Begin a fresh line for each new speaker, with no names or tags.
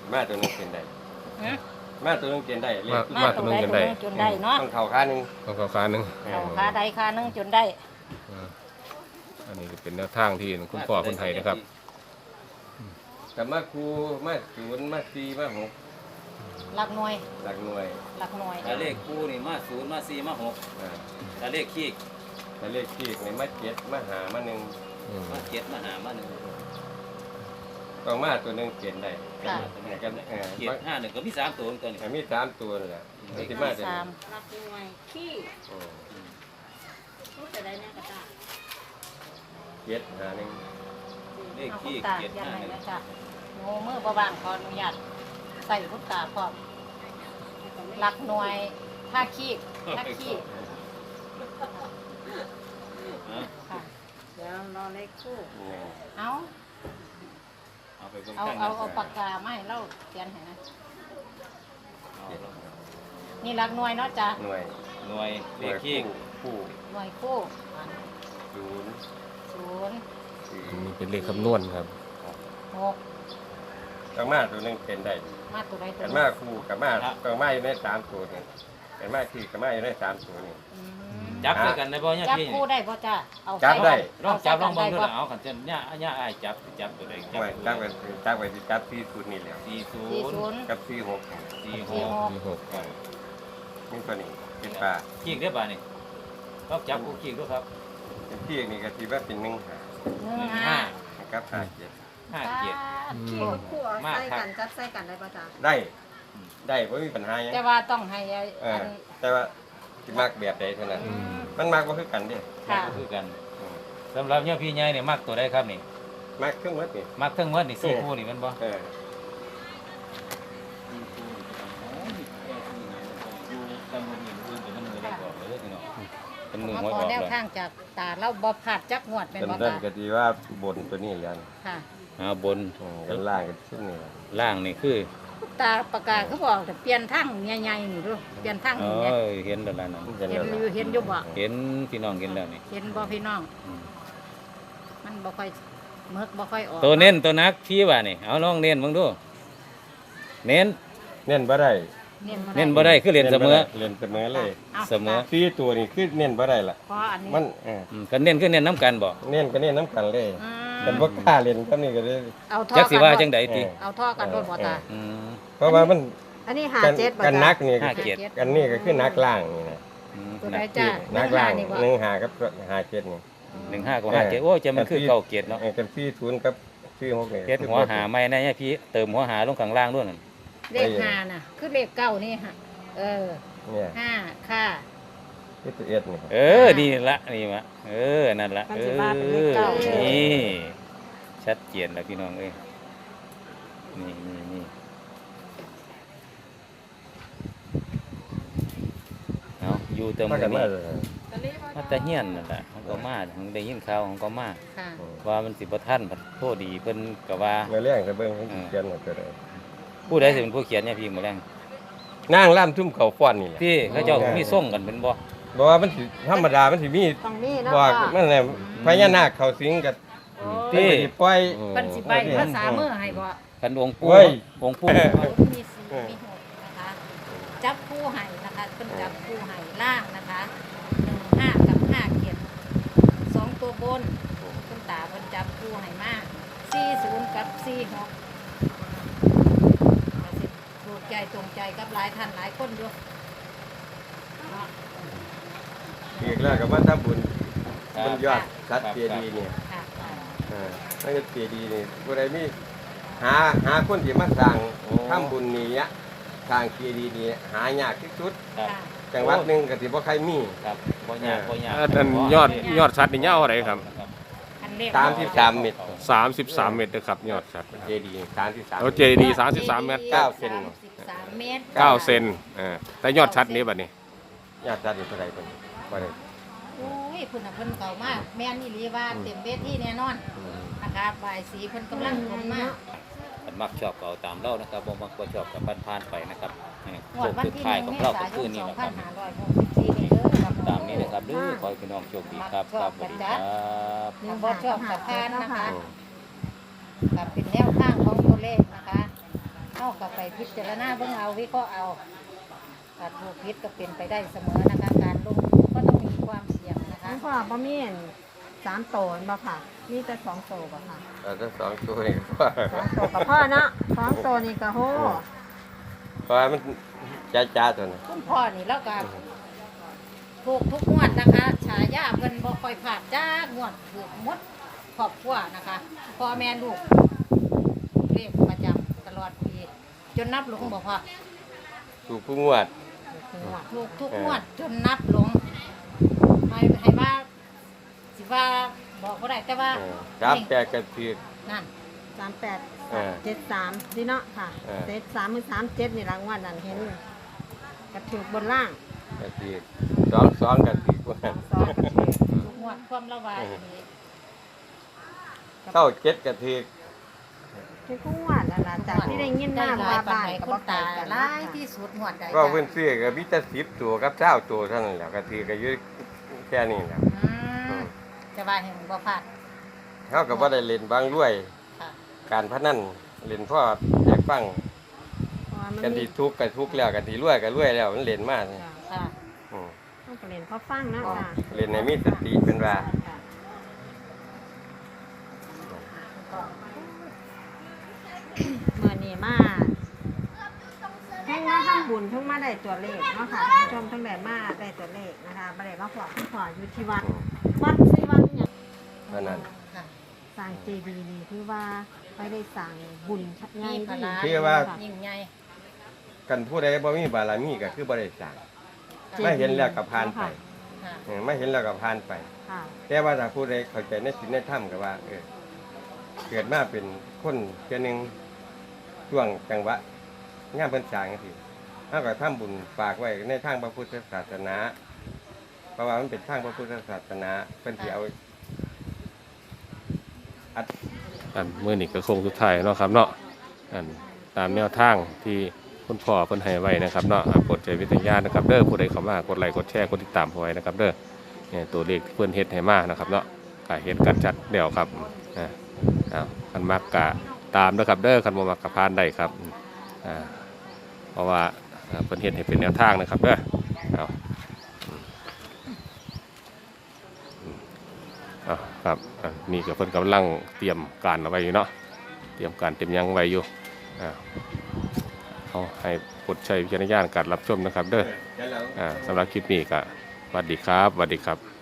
มาตัวนึงเป็นได้มาตัวนึงเป็นได้เลข
มาตัวนึงจนได้เนาะ
ต้องเข่าขาหนึ่ง
ต้องเข้าขาหนึง
เอาขาใดขาหนึงจนได้
อันนี้เป็นแนวทางที่คุณพ่อคนไทยนะครับ
กับมาครูมาศูนย์มาสี่มาหก
หลักหน่วย
หลักหน่วย
หลักหน่วย
แต่เลขคู่นี่มา0มา4มา6
อ่า
แต่เลขขี้
แต่เลขที่ในมาเจ็ดมาหามาหนึ่ง
มา7มาหามา1
ต้องมาตัวนึงเปลี่ยนได้
ค่ะ
กัน
เกียรติ51ก็มี3ตัวตัวนี้
มีสามตัวนั่นแหละมันสิมาตัว
สา
นี้
มหลักหน่วยขี้
อืม
รู้จะได้แน่กระตา
เจ็ดหาหนึ่ง
เลข
เอาคุ
ขี้
ณตา
เกียรติ
ยันไหนนะ
51
จ๊ะโง่มือบ่บางขออนุญาตใส่คุณตาพร้อมหลักหน่วยท่าขี้ท่าขี้ค่ะเดี๋ยวรอเลขคู่
หนึ่ง
เอา
เอาไปเบิ่ง
เอา
กัน
เอาปากกามาให้เราเขียนให้นะนี่หลักหน่วยเนาะจ้ะ
หน่วย
หน่วยเลขขี้
คู่
หน่วยคู่
ศูนย์
ศูนย์
สี่
อันนี้เป็นเลขคำนวณครับ
หก
ต้องมาตัวนึงเป็นได้
มาตัวใดตัว
กัน
ห
มา
นึ่ง
คู่กับมาต้องมาอยู่ในสามตัวนี่กันมาที่กับมาอยู่ในสามตัวนี่
อืม
จับด้วยกันได้บ่เนี่ย
จับ
พี่
คู่ได้ป่ะจ้ะเอา
จับได้
ลองจับลองเบิ่งดู
ได้
นะเอาขันจะเนี่ยอ้ายจับตัวใด
หน่วยจับไปจับไปจับที่ศูนย์นี่แหละ
สี่ศู
40
นย์
กับที่หก
สี่ห
46
ก
มีหก
นี่ตัวนี้เป็นปลา
ขี้ได้บ่นี่ลองจับคู่ขี้ดูครับ
เป็นที่นี่ก็ที่ว่าเป็นหนึ่งหา
หนึ่งห้า
กับหาเจ็ด
5 7
ขี้คู่เอา
มาก
ใส่
ครับ
กันจับใส่กันได้ป่ะจ้ะ
ได้ไม่มีปัญหาหยัง
แต่ว่าต้องให้
เอ
อั
อน แต่ว่าที่มากแบบใดเท่านั้น มันมากก็คือกันเด้
ค่ะ
ก็คือกัน
อืม
สำหรับเนี่ยพี่ใหญ่เนี่ยมักตัวใดครับนี่
มากเครื่องมือนี่
มักทั้งหมดนี่4คู่นี่แม่นบ่
เออ
เป็นมือ
มา
หวย
ข
อ
อ
อก
แนว
เลย
ทางจากตาเราบ่พลาดจักงวดเป็น
เป็น
บ่
เรื่อง
จ้ะ
ก็ดีว่าบนตัวนี้แล้ว
ค่ะ
บน
กันล่างกันขึ้นนี่ล่ะ
ล่างนี่คือ
ตาประกาศเขาบอกแต่เปลี่ยนทางใหญ่ๆนี่ดูเปลี่ยนทาง
เอ
นี่เนี่ย
อเห็นแล้วล่ะนั่น
เห็น
เห็น
แล้ว
อยู่เห็นอยู่บ่
เห็นพี่น้องเห็นแล้วนี่
เห็นบ่พี่น้อง
อืม
มันบ่ค่อยเมิกบ่ค่อยออก
ตัวเน้นตัวนักพี่ว่านี่เอาลองเน้นเบิ่งดูเน้น
เน้นบ่ได้
เน้นบ่
เน้นบ่ได้คือเรียนเสมอ
เล่นเสมอเลย
อา
เสมอ
สี่ตัวนี่คือเน้นบ่ได้ล่ะ
เพราะอันนี้
มัน
กันเน้นคือเน้นน้ำกันบ่
เน้นก็เน้นน้ำกันเลย
อืม
กันบ่กล้าเล่นก็นี่ก็เลย
เอาท่อ
จักสิว่าจัง
ได
ใดติ
เอาท่อกันโดนบ่ตา
อืม
เพราะว่ามัน
อันนี้หา
กัน
เจ็ดบ่
กัน
จ้ะ
นักนี่
ห้าเจ็ด
กันนี่ก็คือนักล่างนี่นะ
อืม
ตัวใดจ้ะ
นักล่าง
นี่บ่
หนึ่งหากับหาเจ็ดนี่
15กับ57โอ้ยจะมันคือเก่าเกียรติเนาะ
กันที่ศูนย์กับที่หกนี่
เฮ็ดหัวหาใหม่นะเนี่ยพี่เติมหัวหาลงข้างล่างด้วยนั่น
เลขห้าน่ะ คือเลขเก้านี่ฮะเออ
เนี่ย
ห้าค่ะ
ที่ตัวเอ็ดนี่
เออนี่ละนี่มะเออนั่นละ
มัน
เอ
สิ
อ
ว่าเป็นเลขเก้า
นี่ชัดเจนแล้วพี่น้องเอ้ยนี่เอาอยู่เติม
มา
กั
กัน น
นี่
มาเลย
มาแต่เฮียนนั่นแหละเขาก็มาของได้ยินข่าวของก็มา
ค่ะ
ว่ามันสิบ่ทันพัดโทษดีเพิ่นก็ว่า
เมื่อเลี้ยงจะเบิ่งให้เขียนหมดเลย
ผู้ใดสิเป็นผู้เขียนเนี่ยพี่มื้อแรง
นางล่ำทุ่มเขาฟ้อนนี่แหละ
พี่เขาเจ้ามีส่งกันเป็นบ่
บอกว่ามันสิธรรมดามันสิมี
ต้องมีเนาะ
บอก
พ่อ
มันแหละพญานาคเขาสิงกับ
โอ้
ที่ปล่อย
เพิ่นสิไปภาษามือให้บ่
กันองค์ปู่
เว้ย
องค์ปู่
มีสี่มีหกนะคะ จับคู่ให้นะคะเพิ่นจับคู่ให้ล่างนะคะ15กับ5เขียน2ตัวบนคุณตาเพิ่นจับคู่ให้มา40กับ46ก็สิถูกใจตรงใจกับหลายท่านหลายคนอยู่เนาะ
อีกแล้วก็มาทำบุญบุญยอดสัตว์เจดีย์เนี่ย
ค่ะ
นั่นก็เจดีย์นี่ผู้ใดมีหาคนที่มาสร้างทำบุญนี่อะสร้างเจดีย์นี่หายากที่สุด
ครับ
ค่ะ
จังหวัดหนึงก็สิบ่ใครมี
ครับบ่ยากบ่ยาก
อันยอดชัดนี่ยาวอะไรครับ
อันเลข
33เมตร
33 เมตรนะครับยอดชัดนะครับ
เจดีย์33
เอาเจดีย์33 เมตร
9เซน
33เมตร
9 เซนแต่ยอดชัดนี้บัดนี้
ญาติจัดอยู่เท่าไหร่เพิ่นบ่ได้
โอ้ยเพิ่นน่ะเพิ่นเก่ามากแม่นอี่ลีว่าเต็มเวทีแน่นอนนะคะบายสีเพิ่นกำลังลงมา
มันมักชอบก็เอาตามเรานะครับบ่มักบ่ชอบก็ผ่านๆไปนะครับ
งวดวัน
สุด
ที่
ท้าย
1
ของ
เม
เรา
ษา
ก็
ย
คือน นี่แหละครับ
2564นี่เด้อครับ
ตามนี้นะครับเด้อขอให้พี่น้องโชคดีครับครับสวัสดีครับ
ยังบ่ชอบกับพานนะคะกับเป็นแนวทางของตัวเลขนะคะเข้ากับไปพิจารณาเบิ่งเอาวิเคราะห์เอาถูกผิดก็เป็นไปได้เสมอนะคะการลงทุนก็ต้องมีความเสี่ยงนะคะ
คุณพ่อบ่มี3 โตนบ่ค่ะ มีแต่2 โตบ่ค่ะ
ถ้า2ตัวนี่ก็
2 โตกับพ่อเนาะ2 โตนี่ก็โห
เพราะว่ามันจ้าตัวนั้น
คุณพ่อนี่แล้วก็ถูกทุกงวดนะคะฉายาเพิ่นบ่ค่อยพลาดจ้างวดถูกหมดครอบครัวนะคะพ่อแม่ลูกเรียกประจำตลอดปีจนนับหลงบ่พอ
ถูกผู้งวด
ถูกทุกงวดจนนับหลงให้ว่าสิว่าบอกบ่ได้แต่ว่า
ครับแปดกระถือ
นั่น
38 73สิเนาะค่ะ 73มือ37นี่รางวัลนั่นเห็นกระถูกบนล่าง
กระถือ2กระถือว่า
2กระถูก
ทุกงวดความละวายนี้
เท่า7กระถือ
ทุกงวดนั่นล่ะจากที่ได้ยินมา
ได้หลา
ว่าย
ปาน
บ้าน
ใด
ก็
ค
บ่
น
ตา
ตาย
กัน
ห
นะ
ลาย
ค่ะ
ที่สุดงวดใด
ก็เพิ่นซื้อก็มีแต่10ตัวกับ20ตัวเท่านั้นแหละกระถือก็อยู่แค่นี้แหละ
จะว่าแห่งบ่พลาด
เฮาก็บ่ได้เล่นบางรวย
ค่ะ
การพนันเล่นพ่ออยากฟัง
เพราะว่ามัน
กัน
มี
ที่ทุกข์ก็ทุกข์แล้วกันที่รวยก็รวยแล้วมันเล่นมาก
ค่ะ
ต้องเรียนพอฟังเนาะค่ะ
เล่นให้มีสติเป็นว่า
ค่ะเมื่อนี้มาทั้งมาทำบุญทั้งมาได้ตัวเลขเนาะค่ะท่านผู้ชมทั้งได้มาได้ตัวเลขนะคะบ่ได้มาขอคุณพ่ออยู่ที่วัดวัดสิวัดเนี่ยง
เพราะนั้น
ค่ะ
สร้างเจดีย์นี่คือว่าไม่ได้สร้างบุญใหญ่
มีพ
ที่
ลา
คือว่า
ยิ่งใหญ่
กันผู้ใดบ่มีบารมีก็คือบ่ได้สร้างไม่เห็นแล้วก็ผ่านไป
ค่ะ
ไม่เห็นแล้วก็ผ่านไป
ค่ะ
แต่ว่าถ้าผู้ใดเข้าใจในศีลในธรรมก็ว่าเกิดมาเป็นคนเทื่อหนึงช่วงจังหวะงานเพิ่นสร้างจังซี่เฮาก็ทำบุญฝากไว้ในทางพระพุทธศาสนาเพราะว่ามันเป็นทางพระพุทธศาสนาเพิ่นสิเอา
อันมื้อนี้ก็คงสุดท้ายเนาะครับเนาะอันตามแนวทางที่คุณพ่อเพิ่นให้ไว้นะครับเนาะกดใจวิทยานะครับเด้อผู้ใดเข้ามากดไลค์กดแชร์กดติดตามเอาไว้นะครับเด้อเนี่ยตัวเลขที่เพิ่นเฮ็ดให้มานะครับเนาะก็เห็นกันชัดเดี๋ยวครับคันมักกะตามนะครับเด้อคันบ่มักกะผ่านได้ครับเพราะว่าเพิ่นเฮ็ดให้เป็นแนวทางนะครับเด้อครับนี่ก็เพิ่นกำลังเตรียมการเอาไว้อยู่เนาะเตรียมการเตรียมหยังไว้อยู่เอาให้กดใช้วิจารณญาณการรับชมนะครับเด้อสำหรับคลิปนี้ก็สวัสดีครับสวัสดีครับ